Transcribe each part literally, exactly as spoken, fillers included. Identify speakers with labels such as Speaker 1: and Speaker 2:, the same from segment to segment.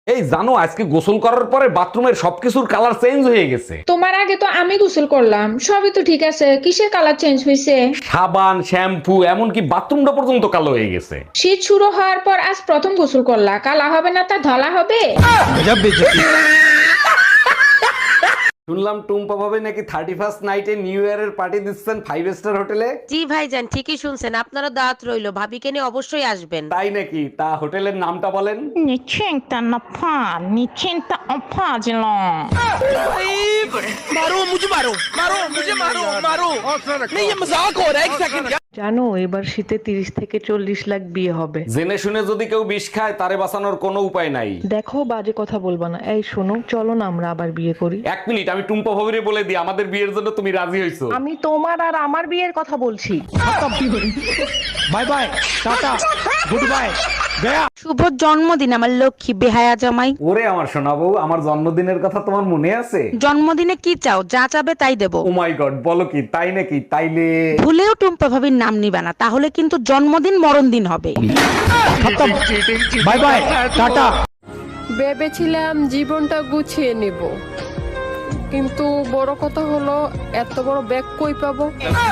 Speaker 1: এই জানো আজকে গোসল করার পরে বাথরুমের সবকিছুর কালার চেঞ্জ হয়ে গেছে।
Speaker 2: তোমার আগে তো আমি গোসল করলাম, সবই তো ঠিক আছে, কিসের কালার চেঞ্জ হয়েছে?
Speaker 1: সাবান, শ্যাম্পু, এমনকি বাথরুমটা পর্যন্ত কালো হয়ে গেছে।
Speaker 2: শীত শুরু হওয়ার পর আজ প্রথম গোসল করলা, কালা হবে না তা ধলা হবে?
Speaker 1: শুনলাম টুম্পা ভাবে নাকি থার্টি ফার্স্ট নাইটে নিউ ইয়ারের পার্টি দিচ্ছেন ফাইভ স্টার হোটেলে।
Speaker 3: জি ভাইজান, ঠিকই শুনছেন, আপনারা দাওয়াত রইলো, ভাবিকে নিয়ে অবশ্যই আসবেন।
Speaker 1: তাই নাকি? তা হোটেলের নামটা বলেন।
Speaker 4: 你欠的那怕，你欠的怕去了。
Speaker 5: मारो मुझे मारो मारो मुझे मारो मारो नहीं ये मजाक हो रहा है एक सेकंड।
Speaker 6: জানো এবার শীতে তিরিশ থেকে চল্লিশ লাখ বিয়ে হবে।
Speaker 1: জেনে শুনে যদি কেউ বিষ খায় তারে বাঁচানোর কোনো উপায় নাই।
Speaker 6: দেখো বাজে কথা বলবা না। এই শোনো, চলো না আমরা আবার বিয়ে করি।
Speaker 1: এক মিনিট, আমি টুম্পা ভাবিরে বলে দিই আমাদের বিয়ের জন্য তুমি রাজি হইছো।
Speaker 6: আমি তোমার আর আমার বিয়ের কথা বলছি।
Speaker 5: Bye bye tata goodbye गया।
Speaker 3: শুভ জন্মদিন আমার লক্ষ্মী বেহায়া জামাই।
Speaker 1: ওরে আমার সোনা বউ, আমার জন্মদিনের কথা তোমার মনে আছে?
Speaker 3: জন্মদিনে কি চাও? যা চাবে তাই দেবো।
Speaker 1: ও মাই গড, বলো কি? তাই নাকি? তাইলে
Speaker 3: ভুলেও টুম্পা ভাবির নাম নিবা না, তাহলে কিন্তু জন্মদিন মরণ দিন হবে।
Speaker 5: Bye bye tata.
Speaker 7: ভেবেছিলাম জীবনটা গুছিয়ে নেব, কিন্তু বড় কথা হলো এত বড় ব্যাগ কই পাবো?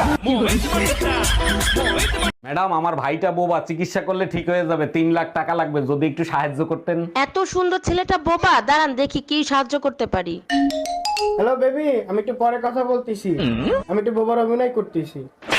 Speaker 1: ম্যাডাম, আমার ভাইটা বোবা, চিকিৎসা করলে ঠিক হয়ে যাবে, তিন লাখ টাকা লাগবে, যদি একটু সাহায্য করতেন।
Speaker 3: এত সুন্দর ছেলেটা বোবা, দাঁড়ান দেখি কি সাহায্য করতে পারি।
Speaker 8: হ্যালো বেবি, আমি একটু পরে কথা বলতেছি, আমি একটু বোবার অভিনয় করতেছি।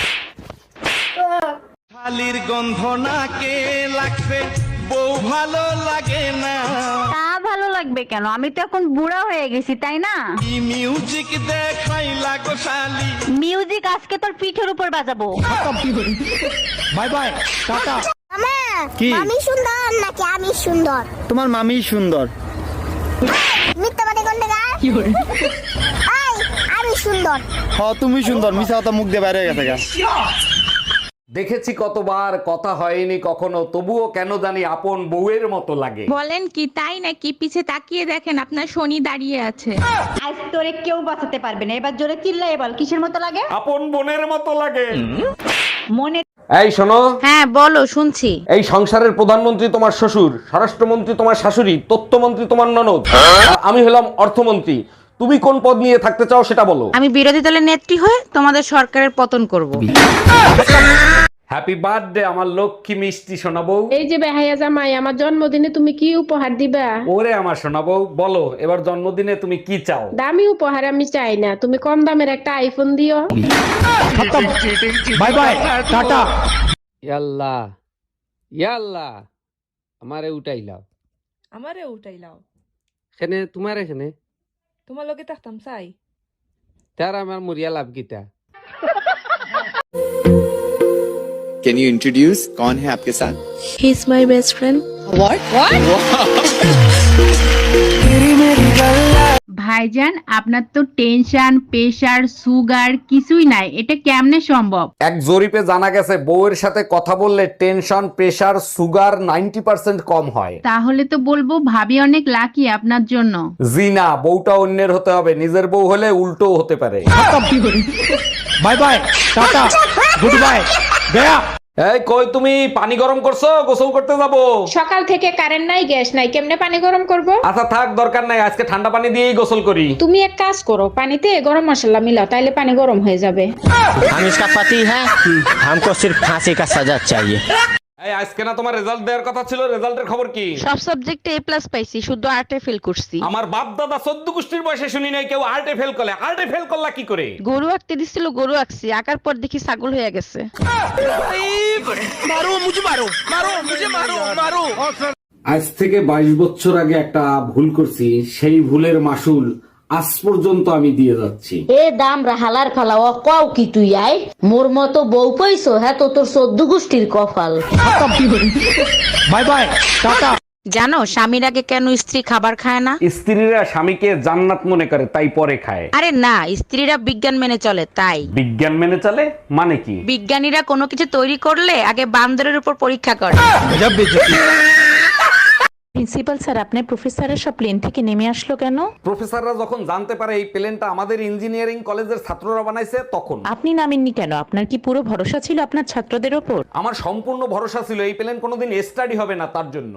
Speaker 5: শালির গন্ধ নাকে লাগছে, বউ ভালো লাগে না।
Speaker 4: তা ভালো লাগবে কেন? আমি তো এখন বুড়া হয়ে গেছি, তাই না?
Speaker 5: কি মিউজিক দেখাই লাগো শালি।
Speaker 4: মিউজিক আজকে তোর পিঠের উপর বাজাবো।
Speaker 5: Bye bye tata.
Speaker 9: কি আমি সুন্দর নাকি আমি সুন্দর?
Speaker 8: তোমার মামি সুন্দর।
Speaker 9: মিথ্যাবাদী গন্ডার কি করে? আই আমি সুন্দর।
Speaker 8: হ্যাঁ তুমি সুন্দর, মিছা কথা মুখ দিয়ে বাইরে গেছে গা।
Speaker 1: দেখেছি কতবার, কথা হয়নি কখনো, তবুও কেন জানি আপন বউয়ের মতো লাগে।
Speaker 2: বলেন কি, তাই নাকি? পিছে তাকিয়ে দেখেন আপনার শনি দাঁড়িয়ে আছে।
Speaker 4: আজ তোরে কেউ বাঁচাতে পারবে না। এবার জোরে চিল্লাই বল, কিসের মতো লাগে?
Speaker 1: আপন বোনের মতো লাগে।
Speaker 4: মনে
Speaker 1: এই শোনো,
Speaker 3: হ্যাঁ বলো, শুনছি।
Speaker 1: এই সংসারের প্রধানমন্ত্রী তোমার শ্বশুর, স্বরাষ্ট্রমন্ত্রী তোমার শাশুড়ি, তথ্যমন্ত্রী তোমার ননদ, আর আমি হলাম অর্থমন্ত্রী। তুমি কোন পদ নিয়ে থাকতে চাও সেটা বলো।
Speaker 3: আমি বিরোধী দলের নেত্রী হয়ে তোমাদের সরকারের পতন করব।
Speaker 1: হ্যাপি বার্থডে আমার লক্ষ্মী মিষ্টি সোনা বউ।
Speaker 2: এই যে বেহায়া জামাই, আমার জন্মদিনে তুমি কি উপহার দিবা?
Speaker 1: ওরে আমার সোনা বউ, বলো এবার জন্মদিনে তুমি কি চাও?
Speaker 2: দামি উপহার আমি চাই না, তুমি কম দামের একটা আইফোন দিও।
Speaker 5: Bye bye tata.
Speaker 10: ইয়াল্লাহ ইয়াল্লাহ, আমারে উঠাইলাও,
Speaker 7: আমারে উঠাইলাও,
Speaker 10: এখানে তোমার এখানে
Speaker 7: তোমার লগে থাকতাম চাই।
Speaker 10: তার আমার মরিয়া লাভ গীতা।
Speaker 11: Can you introduce कौन है आपके साथ?
Speaker 3: He is my best friend.
Speaker 4: ভাইজান, আপনার তো টেনশন, প্রেসার, সুগার কিছুই নাই, এটা কেমনে সম্ভব?
Speaker 1: এক জরিপে জানা গেছে বউয়ের সাথে কথা বললে tension, pressure, sugar ninety percent কম হয়।
Speaker 4: তাহলে তো বলবো ভাবি অনেক লাকি আপনার জন্য।
Speaker 1: জি না, বউটা অন্যের হতে হবে, নিজের বউ হলে উল্টো হতে পারে।
Speaker 5: Bye bye tata goodbye गया।
Speaker 1: এই কই তুমি, পানি গরম করছো? গোসল করতে যাবো।
Speaker 2: সকাল থেকে কারেন্ট নাই, গ্যাস নাই, কেমনে পানি গরম করব?
Speaker 1: আচ্ছা থাক, দরকার নাই, আজকে ঠান্ডা পানি দিয়েই গোসল করি।
Speaker 2: তুমি এক কাজ করো, পানিতে গরম মশলা মিলাও, তাইলে পানি গরম হয়ে যাবে।
Speaker 8: हम इसका पति है, हमको सिर्फ फांसी का सजा चाहिए।
Speaker 1: এই আজকে না তোমার রেজাল্ট দেওয়ার কথা ছিল, রেজাল্টের খবর কি?
Speaker 3: সব সাবজেক্টে এ প্লাস পাইছি, শুধু আর্টে ফেল করছি।
Speaker 1: আমার বাপ দাদা চোদ্দ গোষ্ঠীর বয়সে শুনি নাই কেউ আর্টে ফেল করলে। আর্টে ফেল করলা কি করে?
Speaker 3: গরু আঁকতে দিছিল, গরু আঁকছি, আঁকার পর দেখি ছাগল হয়ে গেছে।
Speaker 5: मारो मुझे मारो मारो मुझे मारो मारो।
Speaker 1: আজ থেকে বাইশ বছর আগে একটা ভুল করছি, সেই ভুলের মাসুল আজ পর্যন্ত আমি দিয়ে যাচ্ছি।
Speaker 9: এ দাম রাহালার ফালা ও কও কি তুই আই মোর মতো বউ পাইছো? হ্যাঁ তো তোর চোদ্দ গোষ্ঠীর কপাল।
Speaker 5: Bye bye tata.
Speaker 3: জানো স্বামীর আগে কেন স্ত্রী খাবার খায় না?
Speaker 1: স্ত্রীরা স্বামীকে জান্নাত মনে করে, তাই পরে খায়।
Speaker 3: আরে না, স্ত্রীরা বিজ্ঞান মেনে চলে তাই।
Speaker 1: বিজ্ঞান মেনে চলে মানে কি?
Speaker 3: বিজ্ঞানীরা কোনো কিছু তৈরি করলে আগে বান্দরের উপর পরীক্ষা করে।
Speaker 6: প্রিন্সিপাল স্যার আপনার প্রফেসরের সব প্লেন থেকে নেমে আসলো কেন?
Speaker 1: প্রফেসররা যখন জানতে পারে এই প্লেনটা আমাদের ইঞ্জিনিয়ারিং কলেজের ছাত্ররা বানাইছে তখন।
Speaker 6: আপনি নামেননি কেন? আপনার কি পুরো ভরসা ছিল আপনার ছাত্রদের ওপর?
Speaker 1: আমার সম্পূর্ণ ভরসা ছিল এই প্লেন কোনোদিন স্টাডি হবে না তার জন্য।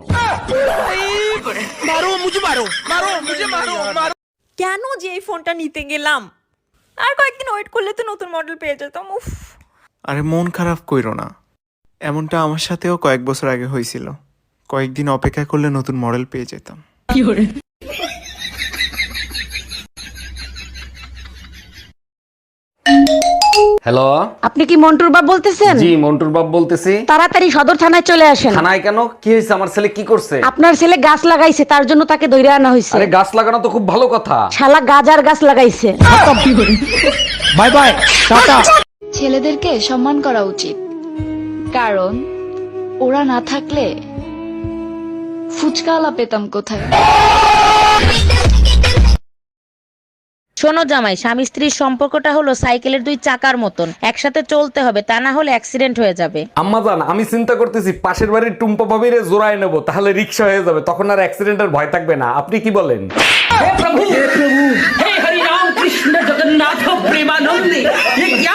Speaker 12: কেন যে এই ফোনটা নিতে গেলাম? আর কয়েকদিন ওয়েট করলে তো নতুন মডেল পেয়ে যেতাম। উফ,
Speaker 5: আরে মন খারাপ কইরো না, এমনটা আমার সাথেও কয়েক বছর আগে হয়েছিল। কয়েকদিন অপেক্ষা করলে নতুন মডেল পেয়ে যেতাম।
Speaker 1: হ্যালো,
Speaker 9: আপনি কি মন্টুর বাপ বলতেছেন?
Speaker 1: জি মন্টুর বাপ বলতেছি।
Speaker 9: তাড়াতাড়ি সদর থানায় চলে আসেন।
Speaker 1: থানায় কেন? কি হয়েছে? আমার ছেলে কি করছে?
Speaker 9: আপনার ছেলে গাছ লাগাইছে, তার জন্য তাকে ধরে আনা হয়েছে।
Speaker 1: আরে গাছ লাগানো তো খুব ভালো কথা।
Speaker 9: শালা গাজার গাছ লাগাইছে।
Speaker 1: Bye bye, tata.
Speaker 12: ছেলেদেরকে সম্মান করা উচিত, কারণ ওরা না থাকলে ফুচকাওয়ালা পেতাম কোথায়।
Speaker 3: শোনো জামাই, স্বামী স্ত্রীর সম্পর্কটা হলো সাইকেলের দুই চাকার মতন, একসাথে চলতে হবে, তা না হলে অ্যাক্সিডেন্ট হয়ে যাবে।
Speaker 1: আম্মাজান, আমি চিন্তা করতেছি পাশের বাড়ির টুম্পা ভাবিরে জোড়ায় নেবো, তাহলে রিক্সা হয়ে যাবে, তখন আর অ্যাক্সিডেন্টের ভয় থাকবে না। আপনি কি বলেন?
Speaker 5: হে হরি রাম কৃষ্ণ জগন্নাথ প্রেমানন্দে